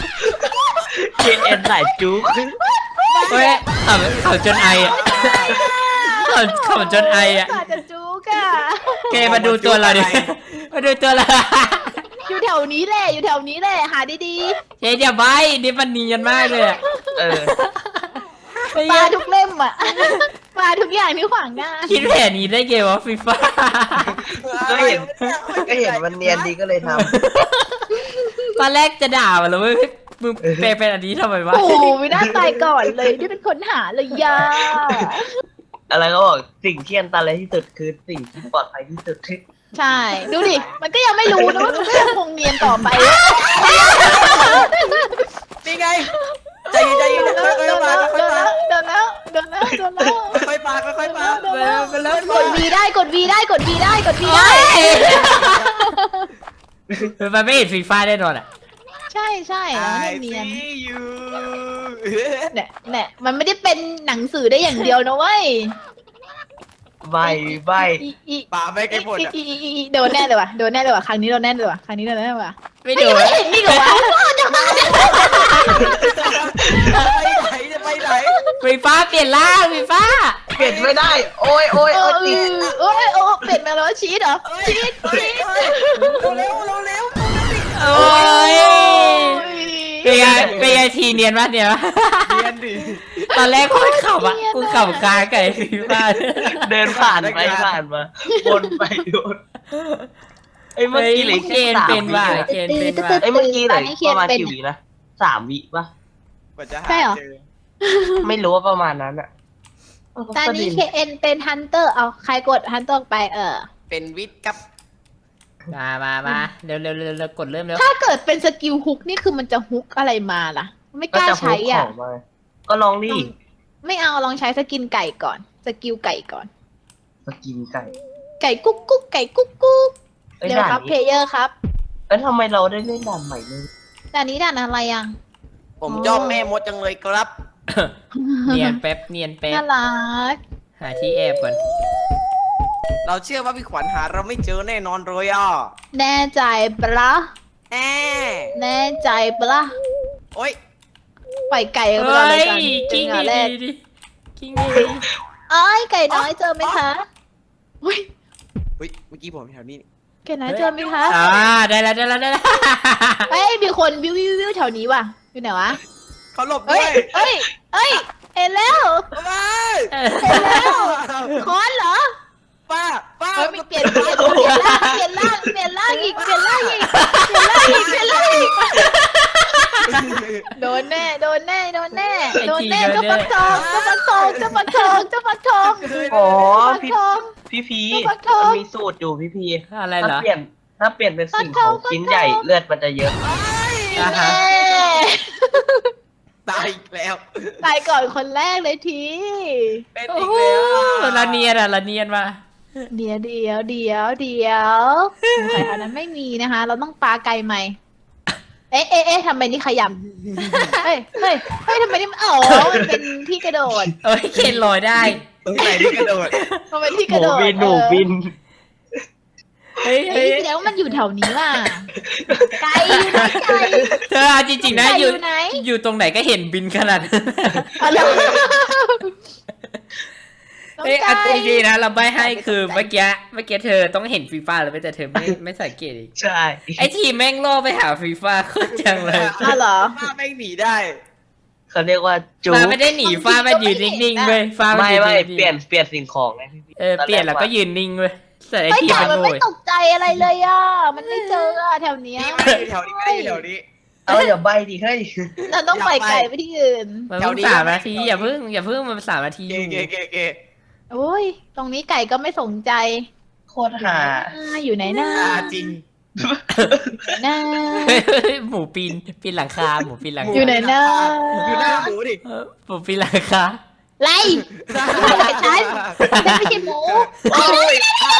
Speaker 4: KN สายจุ๊ก
Speaker 1: เฮ้ยขำจนไออ่ะขำจนไออ่ะ
Speaker 2: อาจจะจุกอะ
Speaker 1: แกมาดูตัวเราดิ มาดูตัวเรา
Speaker 2: อยู่แถวนี้แหละอยู่แถวนี้แหละหาดี
Speaker 1: เจ๊อย่าใบนี่มันเนียนมากเลยอะ
Speaker 4: เออ
Speaker 2: ๆปลาทุกเล่มอ่ะ ปลาทุกอย่างที่ขวางหน้า
Speaker 1: คิดแผนนี้ได้ไงวะฟีฟ่า
Speaker 4: ก็เห็นมันเนียนดีก็เลยท
Speaker 1: ตอนแรกจะด่ามันแล้วเว้ยมึงแปลเป็นอันนี้ทำไมวะ
Speaker 2: โอ้ไม่น่าตายก่อนเลยที่เป็นคนหาเลยยา
Speaker 4: ำอะไรก็บอกสิ่งที่อันตรายที่สุดคือสิ่งที่ปลอดภัยที่สุด
Speaker 2: ใช่ ดูดิ มันก็ยังไม่รู้นะว่ามันก็ยังคงเนียนต่อไป
Speaker 3: นี่ไงใจเย็นใจเย็นค่อยๆมาค่อยๆมา
Speaker 2: เดินแล้วเดินแล้วเดินแล้ว
Speaker 3: ค่อยๆมาค่อยๆมา
Speaker 1: ไปแล้ว
Speaker 2: กด V ได้กด V ได้กด V ได้กด V
Speaker 1: โอ๊
Speaker 2: ได้
Speaker 1: ยมันไม่เห็นฟีฟ่าแน่นอนอ่ะ
Speaker 2: ใช่ใช่แล้วมันเนียน
Speaker 3: see you
Speaker 2: เนี่ยมันไม่ได้เป็นหนังสือได้อย่างเดียวนะเว้ย
Speaker 4: ใบใบ
Speaker 2: อี
Speaker 3: ป่าไม่ไกลผลอะ
Speaker 2: อีโดนแน่เลยว่ะโดนแน่เลยว่ะครั้งนี้โดนแน่เลยว่ะครั้งนี้โดนแน่เลยว่ะ
Speaker 1: ไม่ดู
Speaker 2: ไม่เห็นนี่เหรอวะ
Speaker 3: ไปไหนจะไปไหน
Speaker 1: ฟีฟ่าเปลี่ยนร่างฟีฟ่า
Speaker 4: เปลี่ยนไม่ได้ โอ้ยโอ้ย
Speaker 2: เอ
Speaker 4: โอ้
Speaker 2: อย
Speaker 4: ติด
Speaker 2: โอ้ยโอ้เปลี่ยนมาแล้วชีสเหรอชีสชีส
Speaker 3: เร็วเร็ว
Speaker 1: โอ้ยเป็นไงเป็นไงทีเนียนมากเนี่ย
Speaker 3: เรียนดิ
Speaker 1: ตอนแรกโคตรขำอ่ะกูขำกาไก่ฟีฟ่า
Speaker 4: เดินผ่านไปผ่านมาวนไปวนไอ้ยเมื่อกี้เหลือ
Speaker 1: เก
Speaker 4: แค่
Speaker 1: ณฑ์
Speaker 4: สาม
Speaker 1: เป็น
Speaker 4: วิ
Speaker 1: ว่า
Speaker 4: อะ
Speaker 1: เกณฑ์เป็นว่า
Speaker 4: ไอ้ยเมื่อกี้เหลือประมาณกี่วินะ3 วิปะ
Speaker 3: กว่าจะหาเจอ
Speaker 4: ไม่รู้ว่าประมาณนั้นอะ
Speaker 2: ตอนนี้ KN เป็นฮันเตอร์เอาใครกดฮันเตอร์ไป
Speaker 3: เป็นวิทย์ครับ
Speaker 1: มาเร็วกดเริ่มเร็ว
Speaker 2: ถ้าเกิดเป็นสกิลฮุกนี่คือมันจะฮุกอะไรมาล่ะ ไม่กล้าใช้อ่ะ
Speaker 4: ก็จะพกของมาก็ลองดิ
Speaker 2: ไม่เอาลองใช้สกินไก่ก่อน สกิลไก่ก่อน
Speaker 4: มากินไก่
Speaker 2: ไก่กุ๊กกุ๊กไก่กุ๊กกุ๊ก
Speaker 4: ไอ้ย
Speaker 2: เดี๋ยว
Speaker 4: ด่าน
Speaker 2: ครับเพล
Speaker 4: นี้
Speaker 2: เยอร์ครับ
Speaker 4: แล้วทำไมเราได้เล่นด่านใหม่เลย
Speaker 2: ด่านนี้ด่านอะไรอ่ะ
Speaker 3: ผมชอบแม่มดจังเลยครับ
Speaker 1: เนียนแป๊บเนียนแป๊บ
Speaker 2: น่ารัก
Speaker 1: หาที่แอบก่อน
Speaker 3: เราเชื่อว่าพี่ขวัญหาเราไม่เจอแน่นอนเลยอ่ะ
Speaker 2: แน่ใจปะละ
Speaker 3: แอ
Speaker 2: แน่ใจปะละ
Speaker 3: โอ๊ย
Speaker 2: ปล่อยไก่กันไป
Speaker 1: เฮ้
Speaker 2: ก่อนเลย
Speaker 1: ย
Speaker 2: กัน
Speaker 1: กิ้ง
Speaker 2: จังหวะแรก
Speaker 1: ดีกิ้งดี
Speaker 2: เอ้ยไก่น้อยเจอไหมคะอุ้ย
Speaker 3: เฮ้ยเมื่อกี้ผมแถวนี้
Speaker 2: ไก่น้อยเจอไหมคะ
Speaker 1: ได้แล้ว
Speaker 2: เอ้ยมีคนวิววิววิวแถวนี้ว่ะอยู่ไหนวะ
Speaker 3: เขาหลบ
Speaker 2: เอ้
Speaker 3: ด้วย ย
Speaker 2: เอ้ยเอ้ยเห็นแล้ว
Speaker 3: ไม่
Speaker 2: เห็นแล้วคอนเหรอ
Speaker 3: ป้า
Speaker 2: เอ้ยมีเปลี่ยนร่างอีกเปลี่ยนร่างอีกโดนแน่เจ้าฟักทอง
Speaker 4: อ๋อ
Speaker 2: ฟัก
Speaker 4: พี่
Speaker 2: ทอง
Speaker 4: พี่พี
Speaker 2: ฟักทอง
Speaker 4: มันมีสูตรอยู่พี่พี
Speaker 1: อะไรเหรอ
Speaker 4: ถ้าเปลี่ยนเป็นสิ่งของชิ้นใหญ่เลือดมันจะเยอะ
Speaker 1: อ่าฮะ
Speaker 3: ตายอีกแล้ว
Speaker 2: ตายก่อนคนแรกเลยที
Speaker 3: เป็น
Speaker 1: โอ้
Speaker 3: อีก
Speaker 1: โห
Speaker 3: แล้ว
Speaker 1: ละเนียนมา
Speaker 2: เดี๋ยวใครอันนั้นไม่มีนะคะ เราต้องปาไกลใหม่เอ๊ะทำไมนี่ขยำเฮ้ยทำไมนี่อ๋อมันเป็นที่กระโดด
Speaker 1: เอ้ยเคนลอยได้
Speaker 3: ตรงไหนที่กระโดด
Speaker 2: มันเป็นที่
Speaker 4: ห
Speaker 2: กระ
Speaker 4: นู
Speaker 2: โดด
Speaker 4: บินหนูบิน
Speaker 1: เฮ้ย
Speaker 2: เฮ้ยแสดงว่ามันอยู่แถวนี้ว่ะไก่อยู่ไหนไก่
Speaker 1: เธอเอาจริงๆนะ
Speaker 2: ไก่
Speaker 1: อ
Speaker 2: อยู่ ยู่ไหน
Speaker 1: อยู่ตรงไหนก็เห็นบินขนาดนั้น
Speaker 2: อะไร
Speaker 1: เอ้ยเอาจริงๆนะเราใบให้คือเมื่อกี้เธอต้องเห็นฟีฟ่าแล้วแต่เธอไม่สังเกตอีก
Speaker 4: ใช่
Speaker 1: ไอทีมแม่งล่อไปหาฟีฟ่าโคตรจังเลย
Speaker 2: อ้าวเหรอ
Speaker 3: ป้าแม่งหนีได้
Speaker 4: เขาเรียกว่าจู
Speaker 1: ฟ้าไม่ได้หนีฟ้ามันยืนนิ่งๆเว้ยฟ้ามัน
Speaker 4: ไม่
Speaker 1: ยืน
Speaker 4: ไม่
Speaker 1: นิ่งๆ
Speaker 4: เปลี่ยนสิ่งของไงพี่พี
Speaker 1: เปลี่ยนแล้วก็ยืนนิ่งเว้ยแต่ไอ
Speaker 2: ไอ้
Speaker 1: ทีม
Speaker 2: ไก่
Speaker 1: มัน
Speaker 2: มัน
Speaker 1: โง่
Speaker 2: ไม่ตกใจอะไรเลยอ่ะ มันไม่เจออ่ะแถวเนี้ย
Speaker 3: นี่ไม่ได้อยู่แถวนี้ไม่ได้อยู่แถวนี้
Speaker 4: เอาอย่าใบดิเฮ้ย
Speaker 2: เราต้องปล่อยไก่ไปที่อื่น
Speaker 1: มันเพิ่ง3 นาทีอย่าเพิ่งมัน3 นาที
Speaker 3: เก
Speaker 2: โอ้ย ตรงนี้ไก่ก็ไม่สนใจ
Speaker 4: โคตรหา
Speaker 2: อยู่ไหนนะ
Speaker 3: จริง
Speaker 2: นะ
Speaker 1: หมูปีนหลังคาหมูปีนหลัง
Speaker 2: อยู่
Speaker 1: คา
Speaker 2: ไหนนะ
Speaker 3: อยู่หน้าหมูดิ
Speaker 1: หมูปีนหลังคา
Speaker 2: ไรไม่ใช่ฉันไม่ใช่หมู
Speaker 3: โอ้ย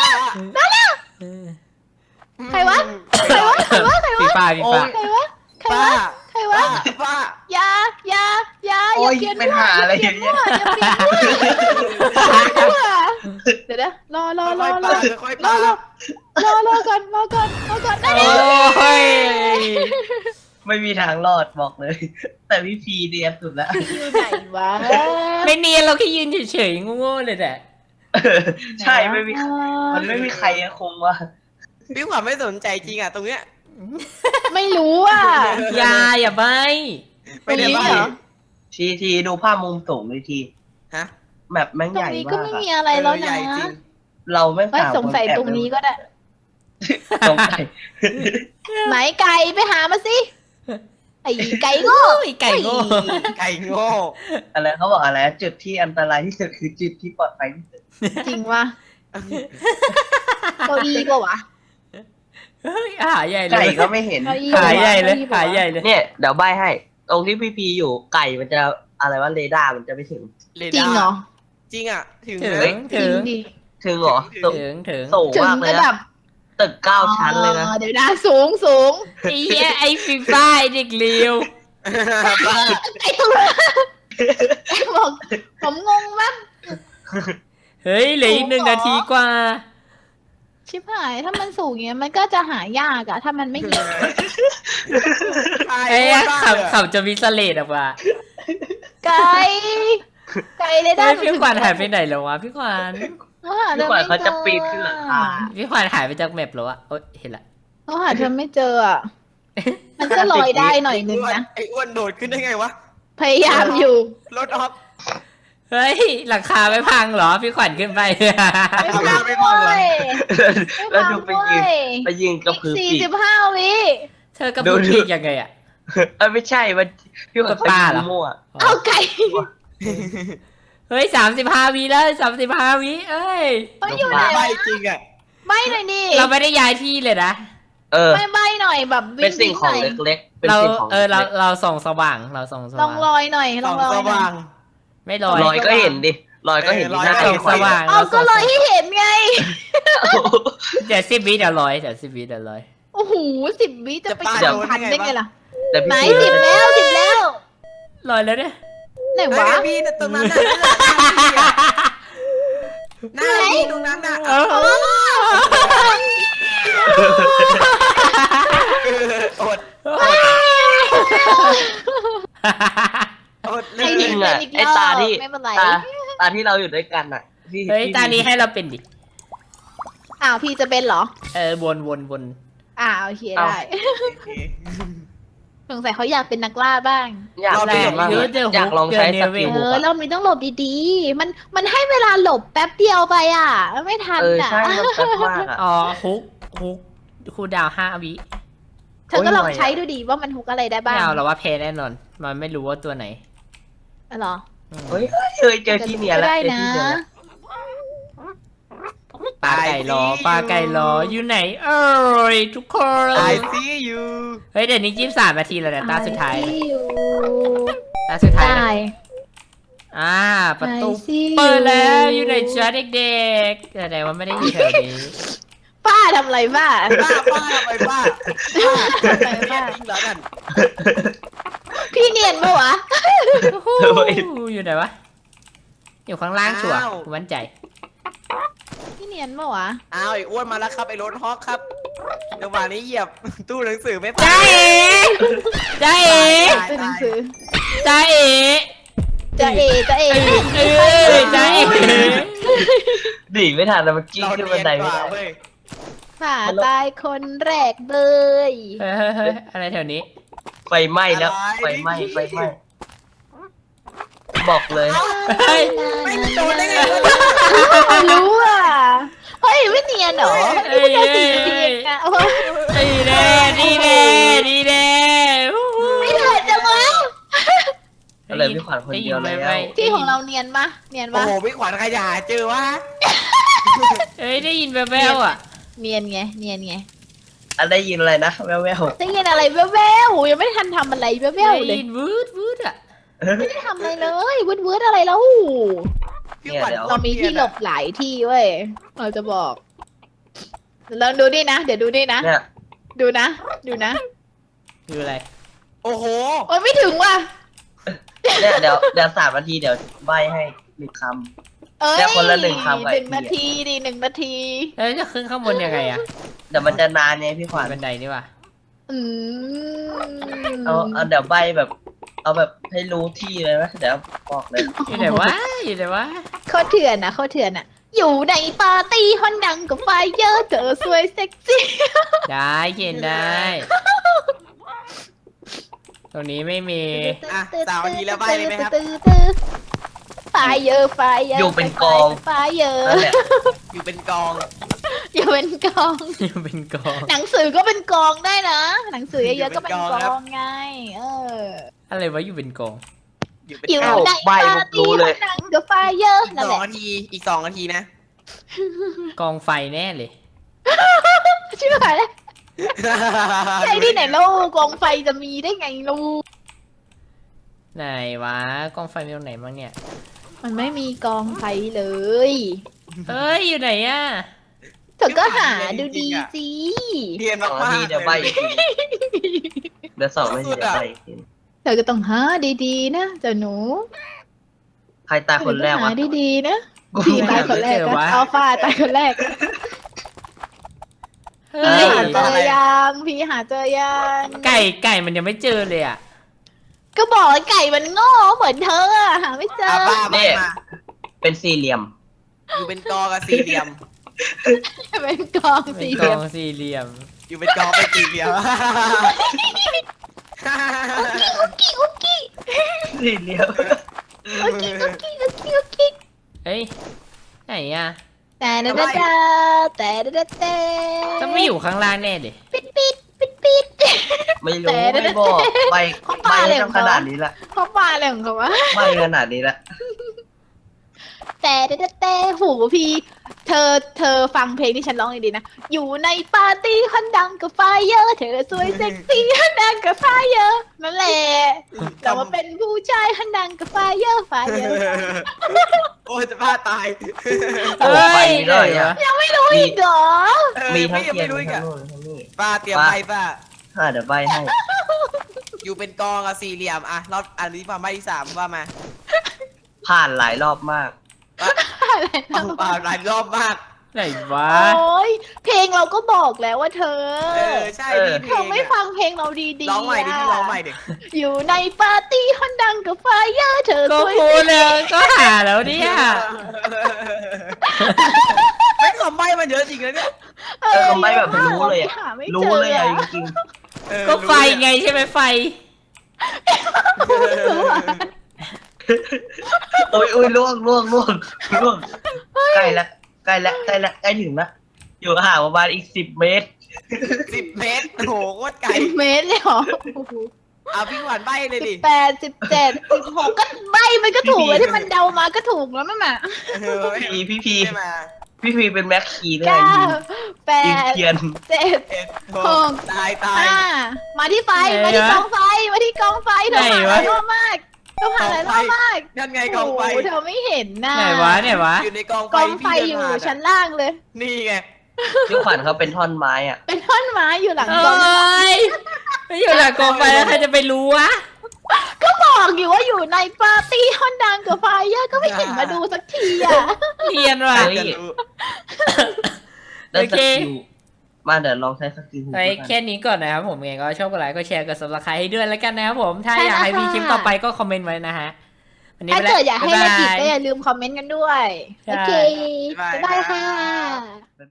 Speaker 2: ใครวะใครวะใครวะใคร
Speaker 1: ฟี
Speaker 2: วะ
Speaker 1: ฟ่าฟีฟ่า
Speaker 2: ใครวะใคร
Speaker 3: ป้าว
Speaker 2: ะใครวะ
Speaker 3: ป้า
Speaker 2: อย่าอย่าอย่า
Speaker 4: โอ้
Speaker 2: อย่าย เปลี่ยน
Speaker 4: เป็นหาอะไรอย่าง
Speaker 2: มั่
Speaker 4: เงี้
Speaker 2: วย อย่าเปลี่ยนมั่วเดี๋ยวนะรอ
Speaker 3: ค่อยๆป้าร
Speaker 2: อก่อนได้
Speaker 1: โอ้ย
Speaker 4: ไม่มีทางรอดบอกเลย แต่พี่พีเดียนสุดแล้ว
Speaker 2: อยู่ไหนวะ
Speaker 1: ไม่เนียนเราแค่ยืนเฉยๆโง่ๆเลยแหละ
Speaker 4: ใช่ไม่มีมันไม่มีใครคงว่า
Speaker 3: พี่ขวัญไม่สนใจจริงอ่ะตรงเนี้ย
Speaker 2: ไม่รู้อ่ะ
Speaker 1: อย่าใบ
Speaker 3: ไม่ได้
Speaker 2: ตรงนี้
Speaker 3: บ้า
Speaker 2: เหรอ
Speaker 4: ทีดูภาพมุมสูงเลยที
Speaker 3: ฮะ
Speaker 4: แบบแม่ง
Speaker 2: ต
Speaker 4: ให
Speaker 2: รง
Speaker 4: ญ่
Speaker 2: นี้ก็
Speaker 4: มาก
Speaker 2: ไม่
Speaker 4: อะ
Speaker 2: มีอะไรแล้ว
Speaker 3: ให
Speaker 2: นะ
Speaker 3: ญ่จริง
Speaker 4: เราแม่ง
Speaker 2: ไม่
Speaker 4: ต่าง
Speaker 2: สงสัย
Speaker 4: คนแอบ
Speaker 2: ตรงนี้ก็ได้
Speaker 4: สงสัย
Speaker 2: ไหนไก่ไปหามาสิไอ้ไก่โง่
Speaker 1: โอ้ยไก่โง่
Speaker 3: ไก่โง่
Speaker 4: อะไรเขาบอกอะไรจุดที่อันตรายที่สุดคือจุดที่ปลอดภัยที่สุด
Speaker 2: จริงวะเก้าอี้ก็วะ
Speaker 1: เฮ้ยหาใหญ่เล
Speaker 4: ไก่
Speaker 1: ย
Speaker 4: ก็ไม่เห็น
Speaker 2: เก้าอี้
Speaker 1: หาใหญ่เลย
Speaker 2: ก้อี้
Speaker 1: หาใหญ่เลย
Speaker 4: เนี่ยเดี๋ยวใบให้ ตรงที่พี่พีอยู่ไก่มันจะอะไรว่าเรดาร์มันจะไม่ถึง
Speaker 2: จริงเหรอ
Speaker 3: จริงอ่ะถึง
Speaker 1: ถึ
Speaker 3: เลย
Speaker 1: ง
Speaker 2: จริ
Speaker 1: ถึ
Speaker 2: ง
Speaker 1: ง
Speaker 2: ดิ
Speaker 4: ถึงเหรอ
Speaker 1: ถึง
Speaker 4: สูง
Speaker 2: ถึง
Speaker 4: มากเลย
Speaker 2: ระดั
Speaker 4: นะ
Speaker 2: บ
Speaker 4: ตึก9 ชั้นเลยนะ
Speaker 2: อ๋อเดี๋ยวนะสูง
Speaker 1: ไอ้เหี้ยไอ้ฟีฟ่าไอ้เด็กเลว
Speaker 3: ป้า
Speaker 2: ไอ้ตัวไอ้บอกผมงงมาก
Speaker 1: เฮ้ยเหลืออีก1 นาทีกว่า
Speaker 2: ชิบหายถ้ามันสูงอย่างเงี้ยมันก็จะหายากอะถ้ามันไม่มี
Speaker 1: ไอ้ยขับจะมีสเลดออกมา
Speaker 2: ไก่เลยได้
Speaker 1: เฮ้ยพี่ขวัญหายไปไหนแล้ววะพี่ขวัญ
Speaker 4: พี่ขวัญเขาจะปีนขึ้นหลังคา
Speaker 1: พี่ขวัญหายไปจากแมปแล้วอะโอ๊ยเห็นละ
Speaker 2: เขาหาเธอไม่เจออะมันก็ลอยได้หน่อยนึงนะ
Speaker 3: ไอ้อ้วนโดดขึ้นได้ไงวะ
Speaker 2: พยายามอยู่
Speaker 3: รถออฟ
Speaker 1: เฮ้ยหลังคาไม่พังเหรอพี่ขวัญขึ้นไป
Speaker 2: ไม่พัง
Speaker 3: ไม่พังเหรอ
Speaker 2: เว้ย
Speaker 4: แล้วดูไปยืน
Speaker 2: ไม่
Speaker 4: ไปยืนกระ
Speaker 2: พัง
Speaker 4: พือ
Speaker 2: เว้ย
Speaker 4: ปีก
Speaker 2: 45 วิ
Speaker 1: เธอกระพุ้งปีกยังไงอะ
Speaker 4: ไม่ใช่มันพี่ขวัญไป
Speaker 1: ป้า
Speaker 4: ยื
Speaker 1: เหรอ
Speaker 4: นมั่ว
Speaker 2: เอาไก่
Speaker 1: เฮ้ย35 วิแล้ว35 วิเอ้ย
Speaker 2: เขาอยู่ไหน
Speaker 3: ไม่
Speaker 2: วะ
Speaker 3: จริงอ่ะ
Speaker 2: ใบหน่อยดิ
Speaker 1: เราไม่ได้ย้ายที่เลยนะ
Speaker 4: เออ
Speaker 2: ใบหน่อยแบบวิ่
Speaker 4: เป็นสิ่งของ
Speaker 2: หน่ย
Speaker 4: เล็กๆ เป็น
Speaker 1: เรา
Speaker 4: สิ่งของ
Speaker 1: เราส่องสว่างเราส่องส
Speaker 2: ลอง
Speaker 1: ว่าง
Speaker 2: ลอยหน่อยล
Speaker 3: ส่
Speaker 2: อ
Speaker 3: อง ง
Speaker 2: ลอย
Speaker 3: ส
Speaker 2: หน่อ
Speaker 3: ว่าย ง
Speaker 1: ไม่ลอย
Speaker 4: ลอยก็เห็นดิลอยก็เห็นที่หน้า
Speaker 3: เออลอยก็
Speaker 1: ส่อง
Speaker 3: เห็น
Speaker 1: สว่าง
Speaker 2: เอาก็ลอยให้เห็นไง
Speaker 1: เดี๋ยว10 วิเดี๋ยวลอยเดี๋ยว10 วิเดี๋ยวลอย
Speaker 2: โอ้โห10 วิจะไป
Speaker 3: จะ
Speaker 2: ถึงพันได้ไงล่ะ
Speaker 4: แต่
Speaker 2: ไหน
Speaker 4: พี่พี
Speaker 2: 10 แล้ว
Speaker 1: ลอยแล้วเนี่ย
Speaker 2: ไหน
Speaker 3: ไอ้
Speaker 2: วะ
Speaker 3: พี่ตรงนั้นน่ะหน้าพี่ตรงนั้นน่ะ
Speaker 1: เออ
Speaker 3: อดอดเล
Speaker 2: ไอ้
Speaker 3: ย
Speaker 2: นี่
Speaker 4: จริงอ่ะ
Speaker 2: อีกรอบ
Speaker 4: ไอ้ตาที่
Speaker 2: ไม่เป็นไร
Speaker 4: ตาที่เราอยู่ด้วยกันอ่ะพี่
Speaker 1: เฮ้ยตานี้ให้เราเป็นดิ
Speaker 2: อ้าวพี่จะเป็นเหรอ
Speaker 1: วน
Speaker 2: โอเคได้สงสัยเขาอยากเป็นนักล่าบ้าง
Speaker 4: อยาก
Speaker 1: แร
Speaker 4: เล่
Speaker 1: ก
Speaker 4: นบ้าง
Speaker 1: เยอะเจอ
Speaker 4: อยากลองใช้สกิล
Speaker 2: เรามีต้องหลบดีๆ มันให้เวลาหลบแป๊บเดียวไปอ่ะไม่ทัน อ่ะ
Speaker 4: ใช่มันแซ่บมากอ่ะ
Speaker 1: อ๋อฮุกคูลดาวน์5 วิ
Speaker 2: เธอก็ลองใช้ดูดีว่ามันฮุกอะไรได้
Speaker 1: ไม่
Speaker 2: บ้าง
Speaker 1: เอาเราว่าแพ้แน่นอน มันไม่รู้ว่าตัวไหน
Speaker 2: เหรอ
Speaker 4: เฮ้ยเจอที่เนียนแล้ว
Speaker 2: ได้
Speaker 4: เจอ
Speaker 2: นะ
Speaker 4: ที่เนียนแล้ว
Speaker 1: ปลาไก่รออยู่ไหน เอ้ยทุกคน
Speaker 3: ไอซียู
Speaker 1: เฮ้ยเดี๋ยวนี้23 นาทีแล้วเนี่ยตาสุดท้าย
Speaker 2: I see you
Speaker 1: ตาสุดท้าย
Speaker 2: ได้
Speaker 1: นะประตู
Speaker 2: I see you
Speaker 1: เปิดแล้วอยู่ในจ้าเด็กๆแสดงว่าไม่ได้อยู่แถวนี้
Speaker 2: ป้าทำอะไรป้า
Speaker 3: ป้าไปป้าจริงเหรอนั่น
Speaker 2: พี่เนียนปะวะ
Speaker 1: อยู่ไหนวะ อยู่ข้างล่างชัวร์กูมั่นใจ
Speaker 2: พี่เนียนปะวะ
Speaker 3: อ้าวไอ้อ้วนมาแล้วครับไอ้รถฮอกครับจังหวะนี้เหยียบตู้หนังสือไม่
Speaker 1: จ้าเอ๋จ้าเอ๋
Speaker 2: เป็นหนังสือ
Speaker 1: จ้าเอ๋
Speaker 2: จะเอ
Speaker 1: จ้าเอ๋
Speaker 4: หนีไม่ทันแล้วเมื่อกี้
Speaker 3: เรา
Speaker 4: ขึ้น
Speaker 3: เนี
Speaker 4: บั
Speaker 3: ย
Speaker 4: น
Speaker 3: น
Speaker 4: ได
Speaker 3: ก
Speaker 4: ไม่
Speaker 3: ว่า
Speaker 4: ได้
Speaker 3: เว้ย
Speaker 2: ฝ่าตายคนแรกเลย
Speaker 1: เฮ้ยอะไรแถวนี้
Speaker 4: ไฟไหม้แล้วไฟไหม้บอกเลย
Speaker 1: เฮ้ย
Speaker 3: ไม่โดนได้ไงวะ
Speaker 2: รู้อ่ะ เฮ้ยไม่เนียนเหรอไม่ได้4 นาทีเองอะโอ้โห
Speaker 1: ดีแน่ดีแน่ดีแน่
Speaker 2: ไม่เถิดจังวะ
Speaker 4: ก็เลยพี่ขวัญคนเดียวแล้ว
Speaker 2: ที่ของเราเนียนปะเนียน
Speaker 3: โอ้
Speaker 2: ปะ
Speaker 3: โหพี่ขวัญขยะเจอวะ
Speaker 1: เฮ้ยได้ยินแว่วๆอ่ะ
Speaker 2: เนียนไงเนียนไง
Speaker 4: อันได้ยินอะไรนะแว่ว
Speaker 2: ได้ยินอะไรแว่วๆยังไม่ได้ทันทำอะไรแว่วๆเลย
Speaker 1: วืดวืดอ่ะ
Speaker 2: ไม่ได้ทำอะไรเลยวืดๆอะไรแล้ว
Speaker 3: พี่ขวัญ
Speaker 2: เรามีที่หลบหลายที่เว้ยเราจะบอกลองดูดินะเดี๋ยวดูดินะ
Speaker 4: ๆเนี่ย
Speaker 2: ดูนะ ดูนะ
Speaker 1: คืออะไร
Speaker 3: โอ้โห
Speaker 2: โอ้ยไม่ถึงว่ะ
Speaker 4: เนี่ยเดี๋ยว3 นาทีเดี๋ยวใบให้1 คำ
Speaker 2: เอ้ย
Speaker 4: เดี๋ยวคนละหนึ่งคำไว้
Speaker 2: 1 นาทีดิ1 นาที
Speaker 1: แล้วจะขึ้นข้างบนยังไงอ่ะ
Speaker 4: เดี๋ยวมันจะนานไงพี่ขวัญ
Speaker 1: บันไดนี่ว่ะ
Speaker 2: อืม
Speaker 4: เอาเดี๋ยวใบแบบ เอาแบบให้รู้ที่เลยไหมเดี๋ยวบอกเลย
Speaker 1: อยู่ไหนวะอยู่ไหนวะ
Speaker 2: โคตรเถื่อนนะโคตรเถื่อนอะอยู่ในปาร์ตี้ฮอนดังกับไฟเยอะเธอสวยเซ็กซี่
Speaker 1: ได้เขียนได้ ตรงนี้ไม่มี
Speaker 3: อ่ะ3 นาทีแล้วใบเลยไหมครับ
Speaker 2: ไฟเยอะไฟเยอะ
Speaker 4: อยู่เป็นกอง
Speaker 2: ไฟเยอะ
Speaker 4: นั่นแหละ
Speaker 3: อยู่เป็นกอง
Speaker 2: อยู่เป็นกอง
Speaker 1: อยู่เป็นกอง
Speaker 2: หนังสือก็เป็นกองได้นะ หนังสือเยอะๆก็เป็นกองไง เออ
Speaker 1: อะไรวะอยู่เป็นกอง
Speaker 3: อยู่เป็น
Speaker 2: อยู่
Speaker 3: กอง
Speaker 2: ใน
Speaker 4: ใบ้
Speaker 2: ปา
Speaker 4: ผม
Speaker 2: ร์
Speaker 4: รู้
Speaker 2: ตี้
Speaker 4: เลย
Speaker 2: ฮอนดังกับไฟเยอะ
Speaker 3: อีก
Speaker 2: นั่นแห
Speaker 3: 2
Speaker 2: ละ
Speaker 3: นาทีอีก 2 นาทีนะ
Speaker 1: กองไฟแน่เลย
Speaker 2: ชิบหายแล้วใช่ที่ไหนลูกกองไฟจะมีได้ไงลูก
Speaker 1: ไหนวะกองไฟมีตรงไหนบ้างเนี่ย
Speaker 2: มันไม่มีกองไฟเลย
Speaker 1: เอ้ยอยู่ไหนอ่ะ
Speaker 2: เธอก็หาดูดีสิ
Speaker 3: เรียน
Speaker 4: 2 นา
Speaker 3: มา
Speaker 4: ที
Speaker 3: กๆ
Speaker 4: เดี๋ยวใบอีกทีเดี๋ยว2 นาทีเดี๋ยวใบอีกที
Speaker 2: เธอก็ต้องหาดีๆนะเจ้าหนู
Speaker 4: ใครตายคนแรก
Speaker 2: เธอ
Speaker 4: วะ
Speaker 2: หาดีๆนะพี่ตายคนแรก
Speaker 1: ไม่เจอวะ
Speaker 2: นะอัลฟาตายคนแรก
Speaker 1: เฮ้
Speaker 2: พี่
Speaker 1: ย
Speaker 2: หาเจอยังพี่หาเจอยัง
Speaker 1: ไก่มันยังไม่เจอเลยอ่ะ
Speaker 2: ก็บอกว่าไก่มันโง่เหมือนเธออะหาไม่เจอ
Speaker 3: อ่ะบ้ามามา
Speaker 4: เป็น4 เหลี่ยม
Speaker 3: อยู่เป็นกองกับสี่เหลี่ยม
Speaker 2: เป็นกอง
Speaker 1: เป็น
Speaker 2: สี่
Speaker 1: ก
Speaker 2: เหลี่
Speaker 1: อย
Speaker 2: ม
Speaker 1: งสี่เหลี่ยม
Speaker 3: อยู่เป็นกองเป็นสี่เหลี่ยม
Speaker 2: อุกกี้อุกกี้
Speaker 4: 4 เหลี่ยม
Speaker 2: อุกกี้อุกกี้อุกกี้อุกกี้
Speaker 1: เฮ้ยไหนอ่ะ
Speaker 2: แต่ดาดาดาแต่ดาดาแต่
Speaker 1: ต้องไม่อยู่ข้างล่างแน่เลย
Speaker 2: ปิดปิดปิดปิด
Speaker 4: ไม่รู้ไม่บอกใบ
Speaker 2: เขา
Speaker 4: ใบ
Speaker 2: ปาอะไร
Speaker 4: ให้
Speaker 2: ของ
Speaker 4: ข
Speaker 2: เขา
Speaker 4: นาดนี้ละ
Speaker 2: เขาปาอะไรของเขาวะ
Speaker 4: ใบขนาดนี้ละ
Speaker 2: แต่แต่หูพี่เธอฟังเพลงที่ฉันร้องดีๆนะ อยู่ในปาร์ตี้คนดังกับไฟเยอะเธอสวยเซ็กซี่คนดังกับไฟเยอะนั่นแหละแต่ว่าเป็นผู้ชายคนดังกับไฟเยอะไฟเยอะ
Speaker 3: โอ้ยจะบ้าตาย
Speaker 4: โอ้ใบนี้เลยอ่ะ
Speaker 2: ยังไม่รู้อีกเหรอ
Speaker 4: มีทั้ง
Speaker 3: พี่ยัง
Speaker 4: เทียน
Speaker 3: ไม่รู้
Speaker 4: มี
Speaker 3: อีก
Speaker 4: ทั้
Speaker 3: อะ
Speaker 4: งโน่นทั้งนี่
Speaker 3: ป้าเตรียมไปป้า
Speaker 4: เดี๋ยวใบให้
Speaker 3: อยู่เป็นกองกับสี่เหลี่ยมอ่ะรอบอันนี้มาใบที่ 3ว่ามา
Speaker 4: ผ่านหลายรอบมาก
Speaker 2: อะไรนะ
Speaker 3: หลายรอบมาก
Speaker 1: ไหนวะ
Speaker 2: โอ้ยเพลงเราก็บอกแล้วว่าเธอ
Speaker 3: ใช่
Speaker 4: เออ
Speaker 3: พี่เพ
Speaker 2: เธ
Speaker 3: ล
Speaker 2: อง ไม่
Speaker 3: อะ
Speaker 2: ฟังเพลงเราดีๆ
Speaker 3: ร้องใหม่ดิพี่ร้องใหม่ดิ
Speaker 2: อยู่ในปาร์ตี้คนดังกับไฟเยอะเธอ
Speaker 1: ก็
Speaker 2: สวย
Speaker 1: พูดแล้วก็หาแล้วเนี่ย
Speaker 3: ไม่คำใบมันเยอะจริงเลยเนี่ย
Speaker 4: คำใบ้แบบรู้เลยอะ
Speaker 2: หาไม่
Speaker 4: รู้
Speaker 2: จอ
Speaker 4: เลยอ่ะจริง
Speaker 1: ก็ไฟไงใช่ไหมไฟ
Speaker 2: รู้อะ
Speaker 4: ๆโอ้ยล่วงใกล้ละใกล้ถึงละอยู่ห่างประมาณอีก10 เมตร
Speaker 3: 10 เมตร โอ้โหโคตรไกล
Speaker 2: 10 เมตรเลยเหรอ
Speaker 3: เอาพี่ขวัญใบเลยดิ
Speaker 2: 18 17 16ก็ใบมันก็ถูกเลยที่มันเดามาก็ถูกแล้วนั่นน่ะ
Speaker 4: พี่พี
Speaker 3: ไม่มา
Speaker 4: พี่พีเป็นแม็กคีเลย
Speaker 2: 9
Speaker 4: ยิง
Speaker 2: 8
Speaker 4: เทียน
Speaker 2: 7
Speaker 3: 6ตาย
Speaker 2: 5มาที่ไฟ
Speaker 1: ไหน
Speaker 2: มาที่
Speaker 1: วะ
Speaker 2: กองไฟมาที่กองไฟเธอ
Speaker 1: ไหน
Speaker 2: ผ่านห
Speaker 1: วะ
Speaker 2: ลายรอบมากเธอผ่านหลายรอบมาก
Speaker 3: นั่นไงกองไฟ
Speaker 2: โโหเธอไม่เห็นน่ะ
Speaker 1: ไหนวะไหนวะ
Speaker 3: อยู่ในกองไฟ
Speaker 2: กองไฟ
Speaker 3: ที่
Speaker 2: อยู่
Speaker 3: พี่เดินผ่า
Speaker 2: ชั้นล่างเลย
Speaker 3: นี่ไง
Speaker 4: พี่ขวัญเขาเป็นท่อนไม้อ่ะ
Speaker 2: เป็นท่อนไม้อยู่หลัง
Speaker 1: เอก
Speaker 2: องไฟ
Speaker 1: ้ยไม่อยู่หลังกองไฟแล้วใครจะไปรู้วะ
Speaker 2: ก็บอกอยู่ว่าอยู่ในปาร์ตี้ฮอนดังกับไฟเยอะก็ไม่เห็นมาดูสักทีอ่ะ
Speaker 1: เรียนว่ะ
Speaker 4: เฮ้ย
Speaker 3: จะรู้
Speaker 4: แล้ว
Speaker 1: โอ
Speaker 4: ส
Speaker 1: เค
Speaker 4: กิลมาเดี๋ยวลองใช้สกิล
Speaker 1: ไว้แค่นี้ก่อนนะครับผมไงก็ชอบกดไลค์ก็แชร์กด subscribe ให้ด้วยแล้วกันนะครับผม ถ้าอยากให้มีคลิปต่อไปก็คอมเมนต์ไว้นะฮะวันนี้
Speaker 2: ถ้า
Speaker 1: ไปแล้ว
Speaker 2: เกิดอยากให้
Speaker 1: บ๊
Speaker 2: เล่น
Speaker 1: บ
Speaker 2: อีก
Speaker 1: ย
Speaker 2: ก็อย่าลืมคอมเมนต์กันด้วย
Speaker 1: ใช่
Speaker 2: โอเค
Speaker 3: บ๊ายบาย
Speaker 2: บ๊ายบายค่ะ